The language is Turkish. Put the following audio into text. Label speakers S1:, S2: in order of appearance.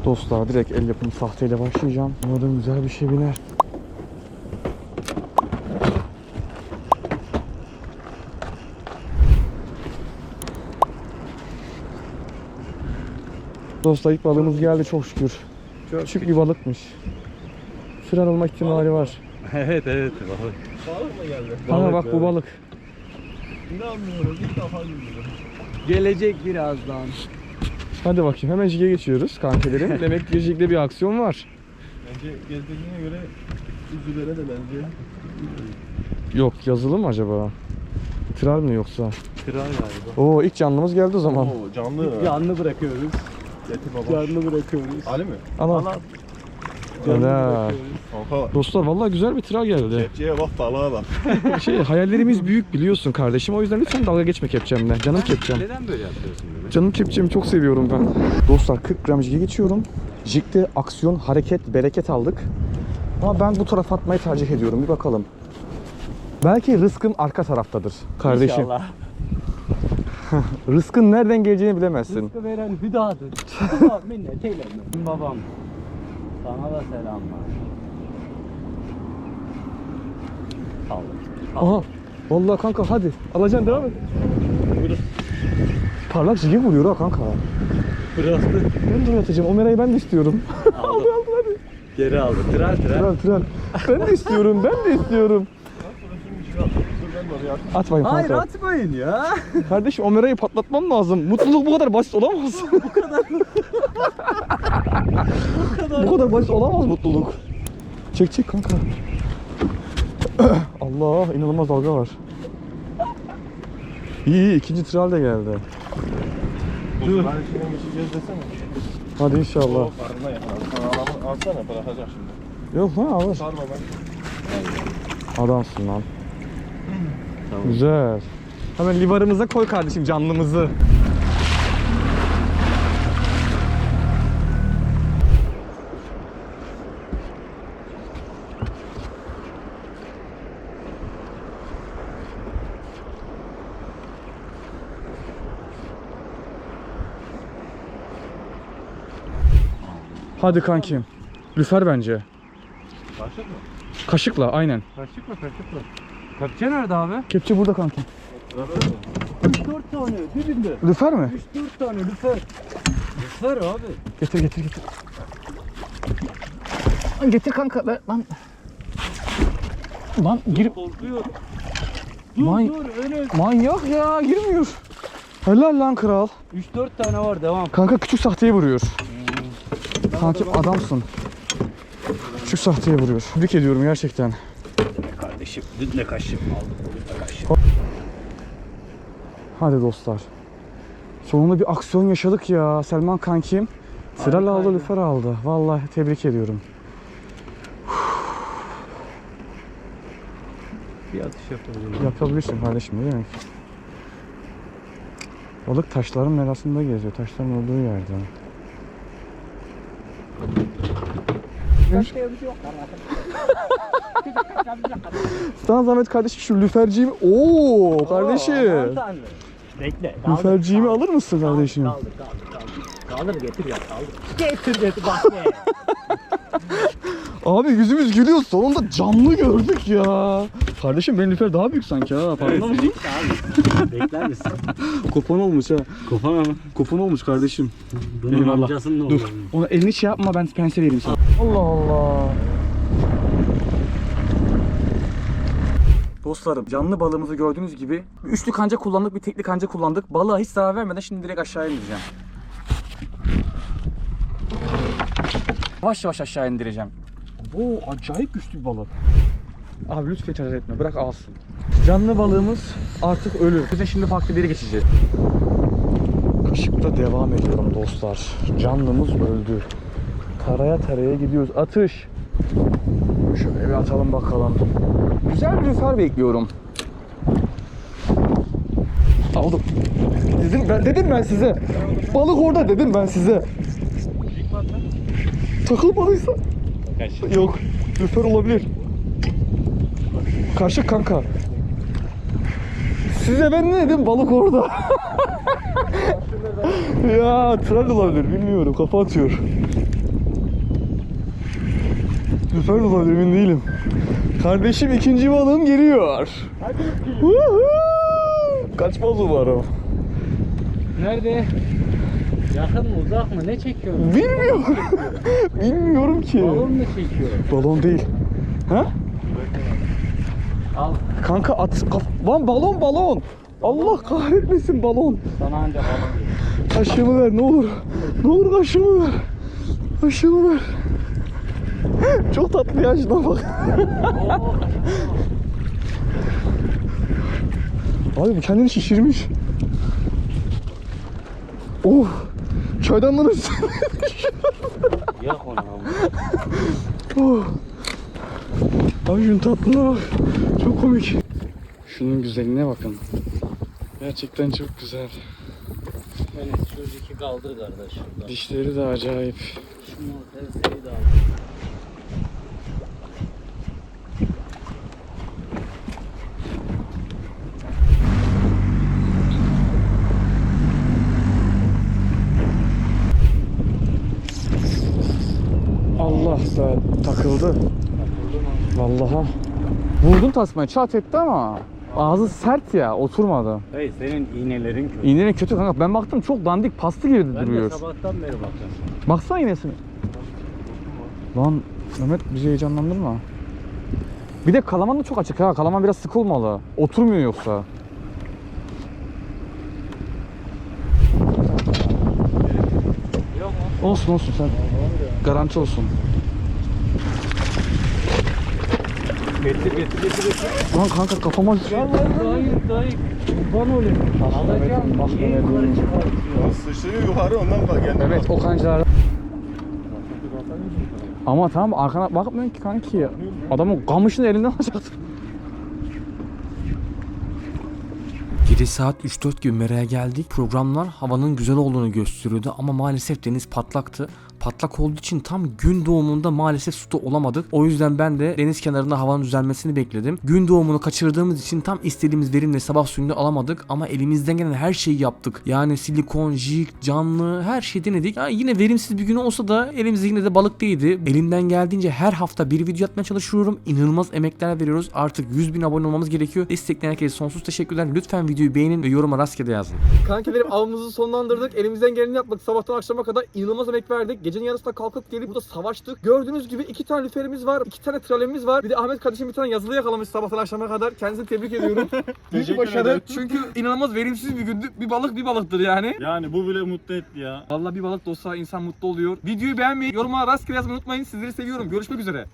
S1: Dostlar direkt el yapımı sahteyle başlayacağım. Umarım güzel bir şey biner. Dostlar ilk balığımız geldi çok şükür. Küçük bir balıkmış. Süren olma ihtimali var.
S2: Evet balık.
S3: Balık mı geldi?
S1: Bana bak bu balık.
S3: İnanmıyorum, ilk defa görüyorum.
S2: Gelecek birazdan.
S1: Hadi bakayım hemen jige geçiyoruz kankelerim. Demek ki jigde bir aksiyon var.
S3: Bence gezdiğine göre üzülere de bence.
S1: Yok yazılı mı acaba? Tral mi yoksa?
S2: Kral galiba.
S1: Oo ilk canlımız geldi o zaman.
S3: Oo, canlı.
S2: Canlı bırakıyoruz.
S3: Getir baba.
S2: Canlı bırakıyoruz.
S3: Ali mi?
S1: Ana.
S2: Canlı
S1: Helal.
S2: bırakıyoruz.
S3: Kanka.
S1: Dostlar vallahi güzel bir tral geldi.
S3: Kepçeye bak, balığa bak.
S1: Hayallerimiz büyük biliyorsun kardeşim. O yüzden lütfen dalga geçme kepçemle. Canım kepçem.
S2: Neden böyle yapıyorsun böyle?
S1: Canım kepçemi çok seviyorum ben. Dostlar 40 gram jige geçiyorum. Jigde aksiyon, hareket, bereket aldık. Ama ben bu tarafa atmayı tercih ediyorum. Bir bakalım. Belki rızkım arka taraftadır kardeşim.
S2: İnşallah.
S1: Rızkın nereden geleceğini bilemezsin.
S2: Rızkı veren hüdadır. Allah minnet eyleme. Babam. Sana da selamlar. Sağ ol.
S1: Aha. Vallahi kanka hadi. Alacaksın devam et. Parlak jige vuruyor ha kanka.
S2: Bıraktı.
S1: Ben de atacağım. O merayı ben de istiyorum.
S2: Aldı.
S1: hadi.
S2: Geri aldı. Tral.
S1: Tren. Ben de istiyorum. Ben de istiyorum. At bakayım
S2: Hayır
S1: kanka.
S2: atmayın ya.
S1: Kardeşim o merayı patlatmam lazım. Mutluluk bu kadar basit olamaz. Bu kadar basit olamaz mutluluk. Çek kanka. Allah inanılmaz dalga var. İyi ikinci tral de geldi.
S3: Dur. Ben içine geçeceğiz desene.
S1: Hadi inşallah.
S3: O farkına yakaladı. Sana alsana, bırakacak şimdi.
S1: Yok lan alır.
S3: Sarma ben.
S1: Adamsın lan.
S2: Tamam.
S1: Güzel. Hemen livarımıza koy kardeşim canlımızı. Hadi kankim. Lüfer bence.
S3: Başlık mı?
S1: Kaşıkla aynen.
S2: Kaçık mı? Kepçe nerede abi?
S1: Kepçe burada kankim.
S2: 3-4 tane dibinde.
S1: Lüfer mi?
S2: 3-4 tane lüfer. Lüfer abi.
S1: Getir. Lan getir kanka lan. Lan gir.
S2: Korkuyor.
S1: Man-
S2: Dur öne.
S1: Manyak ya girmiyor. Helal lan kral.
S2: 3-4 tane var devam.
S1: Kanka küçük sahteye vuruyor. Kankim adamsın. Küçük sahteye vuruyor. Tebrik ediyorum gerçekten.
S2: Kardeşim ne kaşık aldım.
S1: Hadi dostlar. Sonunda bir aksiyon yaşadık ya. Selman kankim. Tral aldı,
S2: Harikaydı.
S1: lüfer aldı. Vallahi tebrik ediyorum.
S2: Bir atış yapabilirim.
S1: Yapabilirsin kardeşim ne demek. Balık taşların arasında geziyor. Taşların olduğu yerde. Sana zahmet kardeşim şu lüferciğimi... Oo kardeşim.
S2: Bekle.
S1: Lüferciğimi alır mısın kardeşim?
S2: Kaldır getir ya kaldır. Getir bak ne.
S1: Abi yüzümüz gülüyor. Sonunda canlı gördük ya. Kardeşim benim lüfer daha büyük sanki ha. Farkında mısın?
S2: Abi. Bekler misin?
S1: Kopan olmuş ha.
S2: Kafana mı?
S1: Kopan olmuş kardeşim.
S2: Bunun
S1: Eyvallah.
S2: amcasının ne
S1: Dur.
S2: olur?
S1: Ona elini şey yapma ben pense vereyim sana. Allah Allah. Dostlarım canlı balığımızı gördüğünüz gibi üçlü kanca kullandık, bir tekli kanca kullandık. Balığa hiç zarar vermeden şimdi direkt aşağı indireceğim. Yavaş yavaş aşağı indireceğim. Oo acayip güçlü bir balık. Abi lütfen itiraz etme, bırak alsın. Canlı balığımız artık ölü. Biz de şimdi farklı bir yere geçeceğiz. Kaşıkla devam ediyorum dostlar. Canlımız öldü. Taraya gidiyoruz. Atış. Şöyle bir atalım bakalım. Güzel bir lüfer bekliyorum. Aldım. Dedim ben size. Balık orada dedim ben size. Takılmadıysa. Yok. Lüfer olabilir. Kaşık kanka. Size ben ne dedim? Balık orada. Ya tral olabilir bilmiyorum. Kafa atıyor. sefer de olabilir, emin değilim. Kardeşim ikinci balığım geliyor. Woohoo! Kaçmaz umarım.
S2: Nerede? Yakın mı uzak mı? Ne çekiyorsun?
S1: Bilmiyorum. Bilmiyorum ki.
S2: Balon mu çekiyor?
S1: Balon değil. Ha?
S2: Al.
S1: Kanka lan balon. Allah kahretmesin balon.
S2: Sana anca balon.
S1: Kaşığımı ver ne olur. Ne olur kaşığımı ver. Kaşığımı ver. Çok tatlı ya, şuna bak. Abi bu kendini şişirmiş. Oh. Çaydanlığın üstüne.
S2: Yak onu ama.
S1: Oh. Abi şunun tatlılığına bak. Çok komik. Şunun güzelliğine bakın. Gerçekten çok güzel.
S2: Evet, şu iki kaldır kardeş şurada.
S1: Dişleri de acayip.
S2: Şunu terseyi de al.
S1: Allah da takıldı. Vallahi. Vurdun tasmayı, çat etti ama ağzı sert ya, oturmadı.
S2: Hey, senin iğnelerin kötü.
S1: İğnenin kötü kanka. Ben baktım çok dandik pastı gibi
S2: Ben
S1: duruyor.
S2: de sabahtan beri bakıyorum.
S1: Baksana iğnesine. Lan Mehmet bizi heyecanlandırma. Bir de kalaman da çok açık ha. Kalaman biraz sık olmalı. Oturmuyor yoksa.
S2: Yok mu?
S1: Olsun sen. Garanti olsun.
S2: Getir.
S1: Lan kanka kafama...
S2: Dayı. Kurban olayım. Alacağım. Niye yukarı çıkartıyor?
S3: Sıçrıyor yukarı, ondan bak kendine.
S1: Evet o kancalar. Ama tamam arkana bakmıyorsun ki kanki. Adamın kamışını elinden alacaktın.
S4: Gece saat 3-4 gibi Mera'ya geldik. Programlar havanın güzel olduğunu gösteriyordu ama maalesef deniz patlaktı. Patlak olduğu için tam gün doğumunda maalesef suda olamadık. O yüzden ben de deniz kenarında havanın düzelmesini bekledim. Gün doğumunu kaçırdığımız için tam istediğimiz verimle sabah suyunu alamadık ama elimizden gelen her şeyi yaptık. Yani silikon, jig, canlı her şeyi denedik. Yani yine verimsiz bir gün olsa da elimizde yine de balık değildi. Elimden geldiğince her hafta bir video atmaya çalışıyorum. İnanılmaz emekler veriyoruz. Artık 100.000 abone olmamız gerekiyor. Destekleyen herkese sonsuz teşekkürler. Lütfen videoyu beğenin ve yoruma rastgele yazın.
S5: Kankilerim avımızı sonlandırdık. Elimizden geleni yaptık. Sabahtan akşama kadar inanılmaz emek verdik. Gecenin yarısında kalkıp gelip burada savaştık. Gördüğünüz gibi 2 tane lüferimiz var. 2 tane tralemimiz var. Bir de Ahmet kardeşim bir tane yazılı yakalamış sabahtan akşama kadar. Kendisini tebrik ediyorum. Büyük
S3: Teşekkür
S5: başarı.
S3: ederim.
S5: Çünkü inanılmaz verimsiz bir gündü. Bir balık bir balıktır yani.
S3: Yani bu bile mutlu etti ya.
S5: Vallahi bir balık da olsa insan mutlu oluyor. Videoyu beğenmeyi, yoruma rastgele yazmayı unutmayın. Sizleri seviyorum. Görüşmek üzere.